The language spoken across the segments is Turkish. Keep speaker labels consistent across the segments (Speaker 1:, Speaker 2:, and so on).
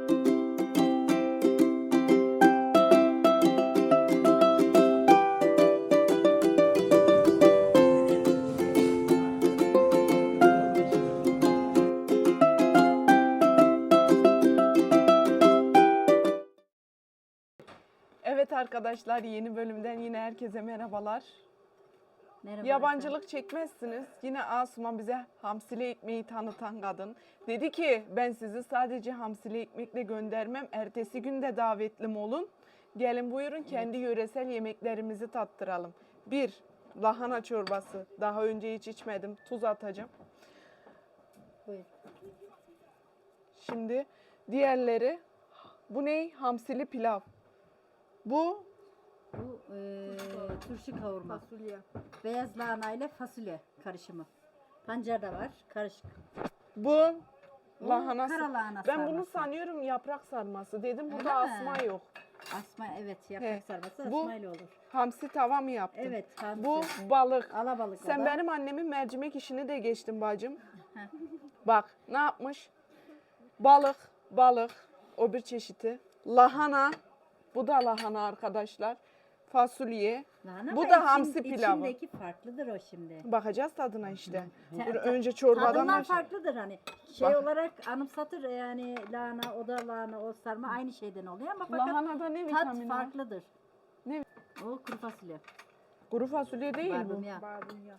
Speaker 1: Evet arkadaşlar, yeni bölümden yine herkese merhabalar.
Speaker 2: Merhaba
Speaker 1: Yabancılık çekmezsiniz. Yine Asuman bize hamsili ekmeği tanıtan kadın. Dedi ki ben sizi sadece hamsili ekmekle göndermem. Ertesi gün de davetlim olun. Gelin buyurun kendi yöresel yemeklerimizi tattıralım. 1. Lahana çorbası. Daha önce hiç içmedim. Tuz atacağım.
Speaker 2: Buyur.
Speaker 1: Şimdi diğerleri. Bu ne? Hamsili pilav. Bu
Speaker 2: Bu turşu kavurma.
Speaker 3: Fasulye.
Speaker 2: Beyaz lahana ile fasulye karışımı. Pancar da var, karışık.
Speaker 1: bu lahana.
Speaker 2: kara lahana
Speaker 1: Ben bunu
Speaker 2: sarması.
Speaker 1: sanıyorum yaprak sarması dedim.
Speaker 2: Öyle
Speaker 1: Burada
Speaker 2: mi?
Speaker 1: asma yok.
Speaker 2: Asma, evet,
Speaker 1: He.
Speaker 2: yaprak sarması
Speaker 1: Bu-
Speaker 2: asmayla olur.
Speaker 1: Hamsi tava mı yaptın?
Speaker 2: Evet, hamsi.
Speaker 1: Bu balık.
Speaker 2: Alabalık o
Speaker 1: Sen
Speaker 2: da.
Speaker 1: benim annemin mercimek işini de geçtin bacım.
Speaker 2: Heh.
Speaker 1: Bak ne yapmış? Balık. O bir çeşidi. Lahana. Bu da lahana arkadaşlar. Fasulye.
Speaker 2: Lahana
Speaker 1: Bu
Speaker 2: ama
Speaker 1: da hamsi pilavı.
Speaker 2: İçindeki farklıdır o şimdi.
Speaker 1: Bakacağız tadına işte.
Speaker 2: Ta-
Speaker 1: Dur,
Speaker 2: ta-
Speaker 1: önce çorbadan
Speaker 2: Tadından
Speaker 1: başla.
Speaker 2: farklıdır hani. Şey
Speaker 1: Bak.
Speaker 2: olarak anımsatır yani lahana, o da lahana, o sarma aynı şeyden oluyor ama fakat
Speaker 1: Lahanada ne
Speaker 2: tat
Speaker 1: vitamini var?
Speaker 2: farklıdır.
Speaker 1: Ne?
Speaker 2: O kuru fasulye.
Speaker 1: Kuru fasulye değil bu.
Speaker 2: Barbunya.
Speaker 3: Barbunya.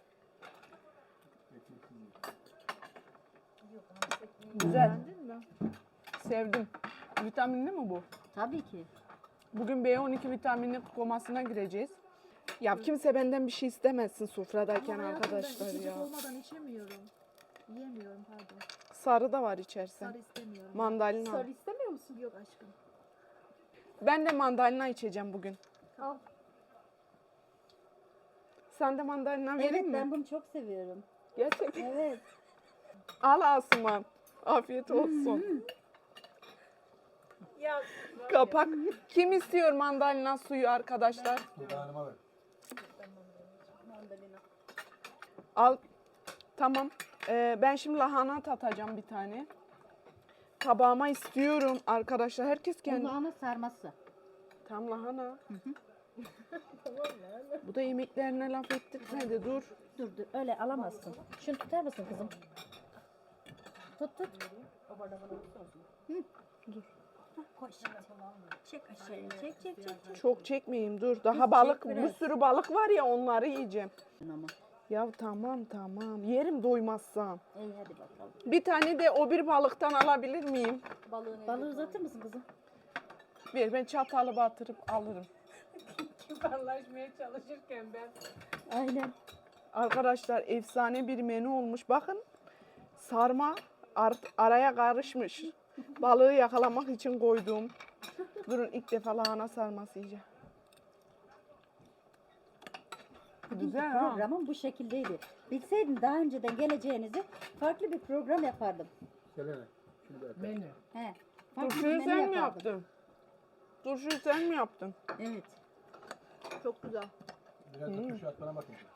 Speaker 1: Güzel.
Speaker 3: Beğendin mi?
Speaker 1: Sevdim. Vitaminli mi bu?
Speaker 2: Tabii ki.
Speaker 1: Bugün B12 vitamini komasına gireceğiz. Ya kimse benden bir şey istemezsin sofradayken
Speaker 3: Ama hayatım,
Speaker 1: arkadaşlar
Speaker 3: ben içecek
Speaker 1: ya.
Speaker 3: olmadan içemiyorum. Yiyemiyorum pardon.
Speaker 1: Sarı da var içersen.
Speaker 3: Sarı istemiyorum.
Speaker 1: Mandalina.
Speaker 3: Sarı istemiyor musun? Yok aşkım.
Speaker 1: Ben de mandalina içeceğim bugün.
Speaker 3: Al.
Speaker 1: Sen de mandalina
Speaker 2: Evet,
Speaker 1: vereyim mi?
Speaker 2: ben bunu çok seviyorum.
Speaker 1: Gerçekten.
Speaker 2: Evet.
Speaker 1: Al Asuman. Afiyet olsun.
Speaker 3: Ya
Speaker 1: Kapak. Kim istiyor mandalina suyu arkadaşlar?
Speaker 4: Hanıma ver.
Speaker 1: Al. Tamam. Ben şimdi lahana tatacağım bir tane. Tabağıma istiyorum arkadaşlar. Herkes kendi.
Speaker 2: Lahana sarması.
Speaker 1: Tam lahana. Bu da yemeklerine laf ettirmedi. Dur.
Speaker 2: Dur öyle alamazsın. Şunu tutar mısın kızım? Tut. Hı. Dur. Hah, koy şimdi. Çek aşağıya. Çek.
Speaker 1: Çok çekmeyeyim dur. Daha
Speaker 2: Çek,
Speaker 1: balık,
Speaker 2: biraz.
Speaker 1: bir sürü balık var ya onları yiyeceğim.
Speaker 2: Ama.
Speaker 1: Ya tamam. Yerim doymazsam.
Speaker 2: İyi hadi bakalım.
Speaker 1: Bir tane de o bir balıktan alabilir miyim?
Speaker 2: Balığı uzatır mısın kızım?
Speaker 1: Ben çatalı batırıp alırım.
Speaker 3: kibarlaşmaya çalışırken ben.
Speaker 2: Aynen.
Speaker 1: Arkadaşlar efsane bir menü olmuş. Bakın sarma araya karışmış. Balığı yakalamak için koyduğum. Durun ilk defa lahana sarması yiyeceğim. Güzel ha.
Speaker 2: Programım bu şekildeydi. Bilseydim daha önceden geleceğinizi farklı bir program yapardım.
Speaker 4: Selene. Şunu da at.
Speaker 2: He. Farklı bir
Speaker 1: Turşuyu
Speaker 2: menü
Speaker 1: sen mi
Speaker 2: yapardım.
Speaker 1: yaptın? Turşuyu sen mi yaptın?
Speaker 2: Evet.
Speaker 3: Çok güzel.
Speaker 4: Biraz da turşu at bana bakın.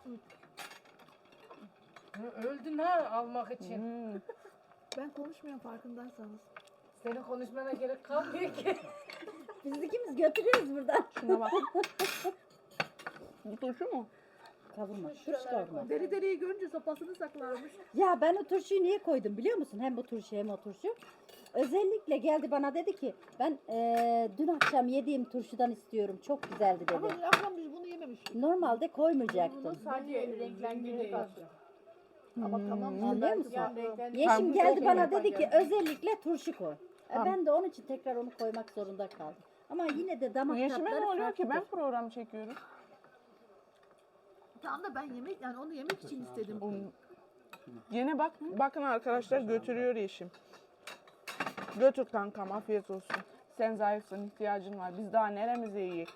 Speaker 5: Öldün ha almak için.
Speaker 3: Ben konuşmuyorum farkındaysanız.
Speaker 5: Senin konuşmana gerek kalmıyor ki.
Speaker 2: Biz ikimiz götürüyoruz buradan.
Speaker 1: Şuna bak. Bu turşu mu?
Speaker 2: Kavurma. Turşu kavurma.
Speaker 3: Deri deriyi görünce sopasını saklarmış.
Speaker 2: Ya ben o turşuyu niye koydum biliyor musun? Hem bu turşu hem o turşu. Özellikle geldi bana dedi ki ben dün akşam yediğim turşudan istiyorum. Çok güzeldi dedi.
Speaker 3: Ama dün akşam biz bunu yememiştik.
Speaker 2: Normalde koymayacaktım.
Speaker 3: Sadece renklendirdi tatlı. Ama tamam.
Speaker 2: Anlıyor musun?
Speaker 3: Yani
Speaker 2: Yeşim geldi
Speaker 1: çok
Speaker 2: bana
Speaker 1: iyi.
Speaker 2: dedi ki özellikle turşu koy.
Speaker 1: Tamam.
Speaker 2: Ben de onun için tekrar onu koymak zorunda kaldım. Ama yine de damak
Speaker 1: Yeşime
Speaker 2: tatları
Speaker 1: ne oluyor ki? Ben
Speaker 2: farklıdır.
Speaker 1: program çekiyorum.
Speaker 3: Tam da ben yemek yani onu yemek için istedim.
Speaker 1: Yine bakın arkadaşlar götürüyor Yeşim. Götür kankam afiyet olsun. Sen zayıfsın ihtiyacın var. Biz daha neremize yiyek.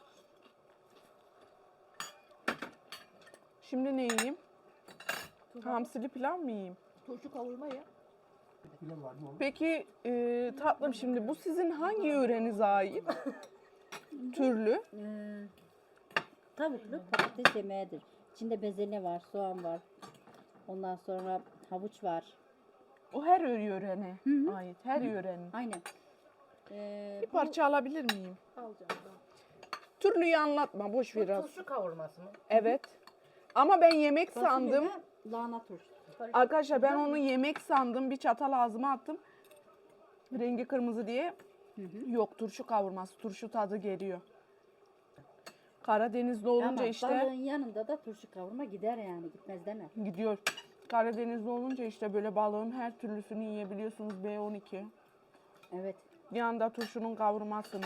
Speaker 1: Şimdi ne yiyeyim? Hamsili pilav mı yiyeyim?
Speaker 3: Turşu kavurma ya.
Speaker 4: Kilo var mı oğlum?
Speaker 1: Peki tatlım şimdi bu sizin hangi yörenize ait? Türlü.
Speaker 2: Tavuklu patates yemeğidir. İçinde bezelye var, soğan var. Ondan sonra havuç var.
Speaker 1: O her yörene ait. Her yörenin.
Speaker 2: Aynen.
Speaker 1: Bir parça alabilir miyim?
Speaker 3: Alacağım.
Speaker 1: Türlüyü anlatma, boş ver az.
Speaker 5: Turşu kavurması mı?
Speaker 1: Evet. Ama ben yemek
Speaker 2: Fasulye
Speaker 1: sandım.
Speaker 2: de lahana turşusu.
Speaker 1: Arkadaşlar ben onu yemek sandım. Bir çatal ağzıma attım. Rengi kırmızı diye. Yok, turşu kavurması. Turşu tadı geliyor. Karadenizli olunca
Speaker 2: Ama
Speaker 1: işte
Speaker 2: balığın yanında da turşu kavurma gider yani, gitmez deme.
Speaker 1: gidiyor. Karadenizli olunca işte böyle balığın her türlüsünü yiyebiliyorsunuz. B12.
Speaker 2: Evet.
Speaker 1: Yanında turşunun kavurmasını.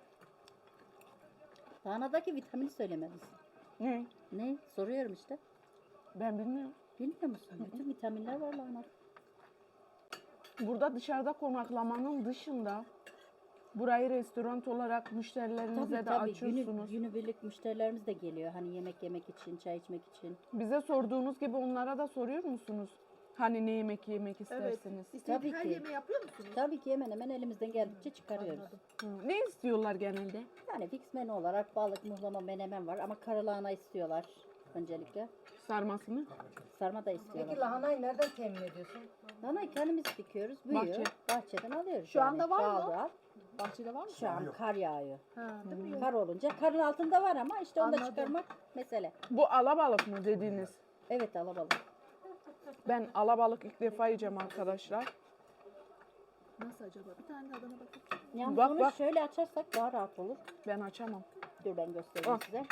Speaker 2: Lahanadaki vitamini söylemediniz.
Speaker 1: Ne?
Speaker 2: Ne? Soruyorum işte.
Speaker 1: Ben bilmiyorum.
Speaker 2: Bilmiyor musun? Bütün vitaminler var lahanada.
Speaker 1: Burada dışarıda konaklamanın dışında burayı restoran olarak müşterilerinize de açıyorsunuz.
Speaker 2: Günübirlik müşterilerimiz de geliyor. Hani yemek yemek için, çay içmek için.
Speaker 1: Bize sorduğunuz gibi onlara da soruyor musunuz? Hani ne yemek yemek
Speaker 3: Evet.
Speaker 1: istersiniz?
Speaker 3: İstediğiniz
Speaker 2: Tabii
Speaker 3: her
Speaker 2: ki.
Speaker 3: yemeği yapıyor musunuz?
Speaker 2: Tabii ki hemen hemen elimizden geldikçe çıkarıyoruz.
Speaker 3: Anladım.
Speaker 1: Hı. Ne istiyorlar genelde?
Speaker 2: Yani fix menü olarak balık, muhlama, menemen var ama karalahana istiyorlar öncelikle.
Speaker 1: Sarmasını.
Speaker 2: Sarma da istiyorlar.
Speaker 5: Peki lahanayı nereden temin ediyorsun?
Speaker 2: Lahanayı kendimiz dikiyoruz, büyüyor.
Speaker 1: Bahçe.
Speaker 2: Bahçeden alıyoruz.
Speaker 3: Şu anda var mı?
Speaker 2: doğal doğal.
Speaker 3: Bahçede var mı?
Speaker 2: Şu an kar yağıyor.
Speaker 3: Ha, değil mi?
Speaker 2: Kar olunca karın altında var ama işte onu da
Speaker 3: Anladım.
Speaker 2: çıkarmak mesele.
Speaker 1: Bu alabalık mı dediğiniz?
Speaker 2: Evet, alabalık.
Speaker 1: Ben alabalık ilk defa yiyeceğim arkadaşlar.
Speaker 3: Nasıl acaba? Bir tane de adana bakayım.
Speaker 2: Yani
Speaker 1: Bak,
Speaker 2: onu
Speaker 1: bak.
Speaker 2: şöyle açarsak daha rahat olur.
Speaker 1: Ben açamam.
Speaker 2: Dur ben göstereyim
Speaker 1: Ah.
Speaker 2: size.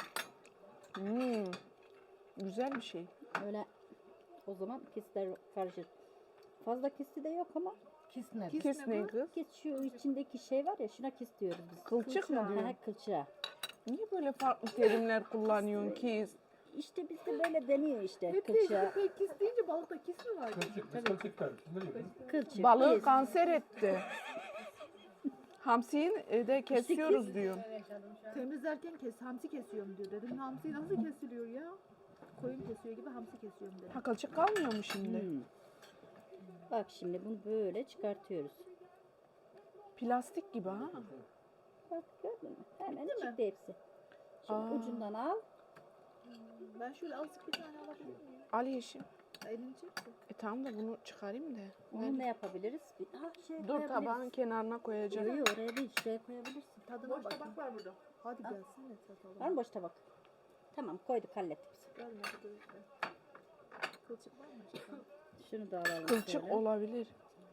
Speaker 1: Güzel bir şey.
Speaker 2: Öyle o zaman kistler karışır. Fazla kisti de yok ama
Speaker 5: Kis ne?
Speaker 3: Kis
Speaker 1: Kis
Speaker 3: ne
Speaker 1: ne
Speaker 3: bu?
Speaker 1: kız?
Speaker 2: kis şu içindeki şey var ya, şuna kis diyoruz biz.
Speaker 1: Kılçık mı diyor?
Speaker 2: Ha, kılçığa.
Speaker 1: Niye böyle farklı terimler kullanıyorsun ki?
Speaker 2: İşte bizde böyle deniyor işte
Speaker 3: Hep
Speaker 2: kılçığa.
Speaker 3: hep kis deyince balıkta kis mi var?
Speaker 4: Kılçık, biz kılçık diyoruz. Siz ne diyorsunuz?
Speaker 2: Kılçık.
Speaker 1: Balığı
Speaker 2: kis.
Speaker 1: kanser etti. Hamsiyi de kesiyoruz diyor.
Speaker 3: Temizlerken hamsi kesiyorum diyor. Dedim hamsi nasıl kesiliyor ya? Koyun kesiyor gibi hamsi kesiyorum dedim.
Speaker 1: Ha, kılçık kalmıyor mu şimdi?
Speaker 2: Bak şimdi bunu böyle çıkartıyoruz.
Speaker 1: Plastik gibi ha.
Speaker 2: Bak gördün mü? Hemen
Speaker 3: Bitti mi?
Speaker 2: çıktı hepsi. Şimdi
Speaker 1: Aa.
Speaker 2: ucundan al.
Speaker 3: Ben şöyle azıcık bir tane alabilir miyim?
Speaker 1: Al yeşim.
Speaker 3: Elini çekti.
Speaker 1: Tamam da bunu çıkarayım da.
Speaker 2: Onu ne yapabiliriz? Şey
Speaker 1: Dur
Speaker 2: koyabiliriz.
Speaker 1: tabağın kenarına koyacağım.
Speaker 2: Yok yok, oraya değil, şuraya koyabilirsin.
Speaker 3: Tadına bakayım. Boş tabak var burada. Hadi gelsin de tatalım.
Speaker 2: Var mı boş tabak? Tamam, koyduk, hallettik biz.
Speaker 3: Gelmedi bu işte. Kılçık var mı acaba?
Speaker 2: Şunu da alalım.
Speaker 1: Kılçık
Speaker 2: şöyle.
Speaker 1: olabilir.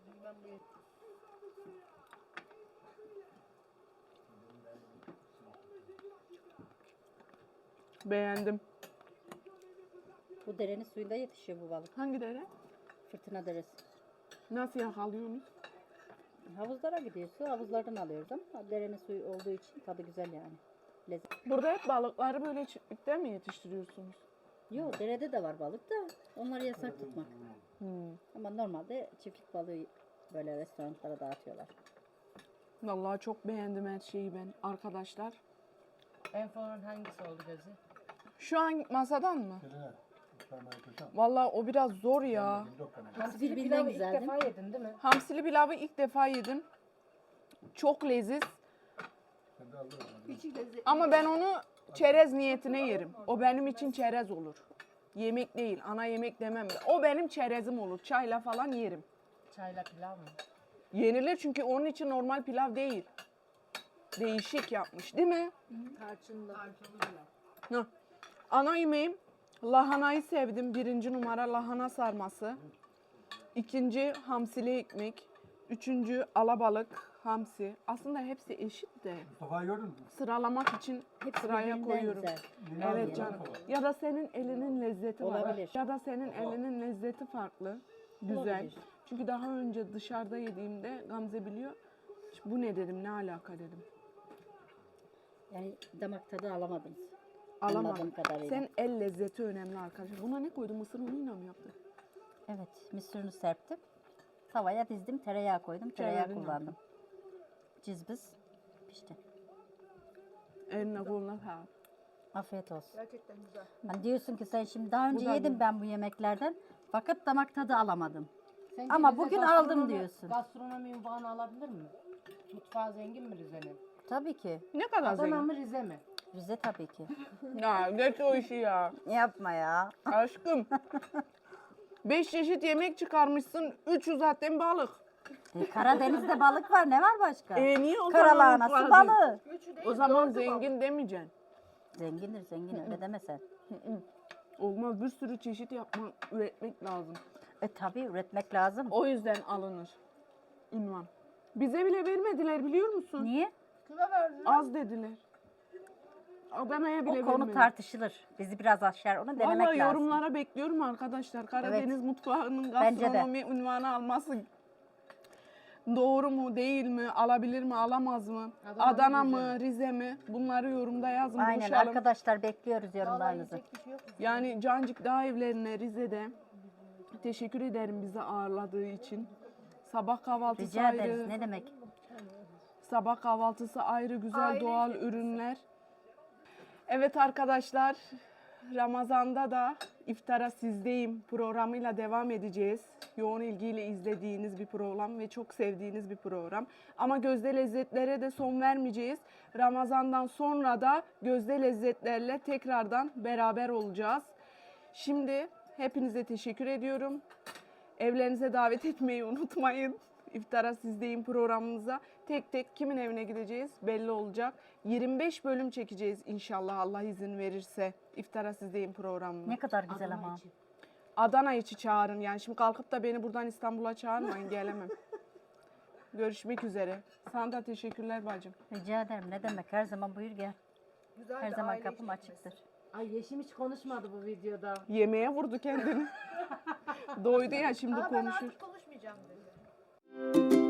Speaker 1: Beğendim.
Speaker 2: Bu derenin suyunda yetişiyor bu balık.
Speaker 1: Hangi dere?
Speaker 2: Fırtına deresi.
Speaker 1: Nasıl yakalıyorsunuz?
Speaker 2: Havuzlara gidiyorsun, havuzlardan alıyoruz ama derenin suyu olduğu için tadı güzel yani. Lezzet.
Speaker 1: Burada hep balıkları böyle çiftlikte mi yetiştiriyorsunuz?
Speaker 2: Yok, derede de var balık da onları yasak tutmak. Ama normalde çiftlik balığı böyle restoranlara dağıtıyorlar.
Speaker 1: Vallahi çok beğendim her şeyi ben arkadaşlar.
Speaker 5: En favori hangisi oldu gözü?
Speaker 1: Şu an masadan mı?
Speaker 4: Şöyle, sarmayı koysam.
Speaker 1: Vallahi o biraz zor ya.
Speaker 4: Yok yani.
Speaker 5: Hamsili
Speaker 2: birbirinden
Speaker 5: pilavı ilk
Speaker 2: güzel, değil
Speaker 5: defa yedin değil mi?
Speaker 1: Hamsili pilavı ilk defa yedim. Çok leziz.
Speaker 4: Sen de aldın onu.
Speaker 3: İçi lezzetli.
Speaker 1: Ama ben onu çerez niyetine yerim. O benim için çerez olur. Yemek değil, ana yemek demem de. O benim çerezim olur. Çayla falan yerim.
Speaker 5: Çayla pilav mı?
Speaker 1: Yenilir çünkü onun için normal pilav değil. Değişik yapmış değil mi?
Speaker 3: Tarçınlı.
Speaker 1: Hı. Ana yemeğim lahanayı sevdim. 1. numara lahana sarması. 2. hamsili ekmek. 3. alabalık, hamsi. Aslında hepsi eşit de.
Speaker 4: Mustafa'yı gördün mü?
Speaker 1: Sıralamak için
Speaker 2: Hepsi
Speaker 1: sıraya
Speaker 2: birbirinden
Speaker 1: koyuyorum.
Speaker 2: güzel.
Speaker 4: Yeni aldım
Speaker 1: Evet
Speaker 4: ya,
Speaker 1: canım.
Speaker 4: Mustafa.
Speaker 1: Ya da senin elinin lezzeti var.
Speaker 2: Olabilir.
Speaker 1: Ya da senin elinin lezzeti farklı. Güzel.
Speaker 2: Olabilir.
Speaker 1: Çünkü daha önce dışarıda yediğimde Gamze biliyor. Bu ne dedim, ne alaka dedim.
Speaker 2: Yani damak tadı alamadınız.
Speaker 1: Alamadım.
Speaker 2: Anladığım kadarıyla.
Speaker 1: Sen el lezzeti önemli arkadaşlar. Buna ne koydun? Mısır unuyla mı yaptın?
Speaker 2: Evet, mısırını serptim. Tavaya dizdim, tereyağı koydum, tereyağı
Speaker 1: Çevirdin
Speaker 2: kullandım. Cızbız pişti.
Speaker 1: Eline koluna sağlık.
Speaker 2: Afiyet olsun.
Speaker 3: Gerçekten güzel.
Speaker 2: Hani diyorsun ki sen şimdi daha önce
Speaker 1: da
Speaker 2: yedim
Speaker 1: güzel.
Speaker 2: ben bu yemeklerden fakat damak tadı alamadım.
Speaker 5: Sence
Speaker 2: Ama
Speaker 5: Rize
Speaker 2: bugün
Speaker 5: gastronomi-
Speaker 2: aldım diyorsun.
Speaker 5: Gastronomi unvanı alabilir mi? Mutfağı zengin mi Rize'nin?
Speaker 2: Tabii ki.
Speaker 1: Ne kadar
Speaker 5: Adana
Speaker 1: zengin.
Speaker 5: mı Rize mi?
Speaker 2: Rize tabii ki.
Speaker 1: Ya geç o işi ya.
Speaker 2: Yapma ya.
Speaker 1: Aşkım. 5 çeşit yemek çıkarmışsın. 300 zaten balık.
Speaker 2: Karadeniz'de balık var. Ne var başka?
Speaker 1: Niye o zaman
Speaker 2: Karalahanası
Speaker 1: mutfağa
Speaker 2: balığı.
Speaker 1: O zaman zengin demeyeceksin.
Speaker 2: Zengindir zengin öyle demesen.
Speaker 1: Olmaz, bir sürü çeşit yapmak, üretmek lazım.
Speaker 2: Tabii üretmek lazım.
Speaker 1: O yüzden alınır ünvan. Bize bile vermediler biliyor musun?
Speaker 2: Niye?
Speaker 3: Kime verdin?
Speaker 1: Az dediler. Adana'ya bile
Speaker 2: O konu
Speaker 1: vermediler.
Speaker 2: tartışılır. Bizi biraz aşar onu denemek
Speaker 1: Vallahi
Speaker 2: lazım.
Speaker 1: yorumlara bekliyorum arkadaşlar. Karadeniz mutfağının
Speaker 2: Bence de.
Speaker 1: gastronomi ünvanı alması doğru mu, değil mi, alabilir mi, alamaz mı? Adana mı, Rize mi? Bunları yorumda yazın,
Speaker 2: Aynen
Speaker 1: buluşalım.
Speaker 2: arkadaşlar bekliyoruz yorumlarınızı.
Speaker 1: Yani Cancık Dağ evlerine Rize'de teşekkür ederim bizi ağırladığı için. Sabah kahvaltısı
Speaker 2: Rica
Speaker 1: ayrı.
Speaker 2: ederiz. Ne demek?
Speaker 1: Sabah kahvaltısı ayrı, güzel
Speaker 3: Aile
Speaker 1: doğal ürünler. Evet arkadaşlar, Ramazan'da da İftara Sizdeyim programıyla devam edeceğiz. Yoğun ilgiyle izlediğiniz bir program ve çok sevdiğiniz bir program. Ama gözde lezzetlere de son vermeyeceğiz. Ramazan'dan sonra da gözde lezzetlerle tekrardan beraber olacağız. Şimdi hepinize teşekkür ediyorum. Evlerinize davet etmeyi unutmayın. İftara Sizdeyim programımıza tek tek kimin evine gideceğiz belli olacak. 25 bölüm çekeceğiz inşallah Allah izin verirse İftara Sizdeyim programını.
Speaker 2: Ne kadar güzel ama.
Speaker 1: Adana içi çağırın yani şimdi kalkıp da beni buradan İstanbul'a çağırmayın gelemem. Görüşmek üzere. Sana da teşekkürler bacım.
Speaker 2: Rica ederim. Ne demek? Her zaman buyur gel.
Speaker 3: Güzel
Speaker 2: Her
Speaker 3: de
Speaker 2: zaman
Speaker 3: aile
Speaker 2: kapım
Speaker 3: işletmesi.
Speaker 2: açıktır.
Speaker 5: Ay Yeşim hiç konuşmadı bu videoda.
Speaker 1: Yemeğe vurdu kendini. Doydu ya şimdi
Speaker 3: Ama ben
Speaker 1: konuşur.
Speaker 3: artık konuşmayacağım dedi.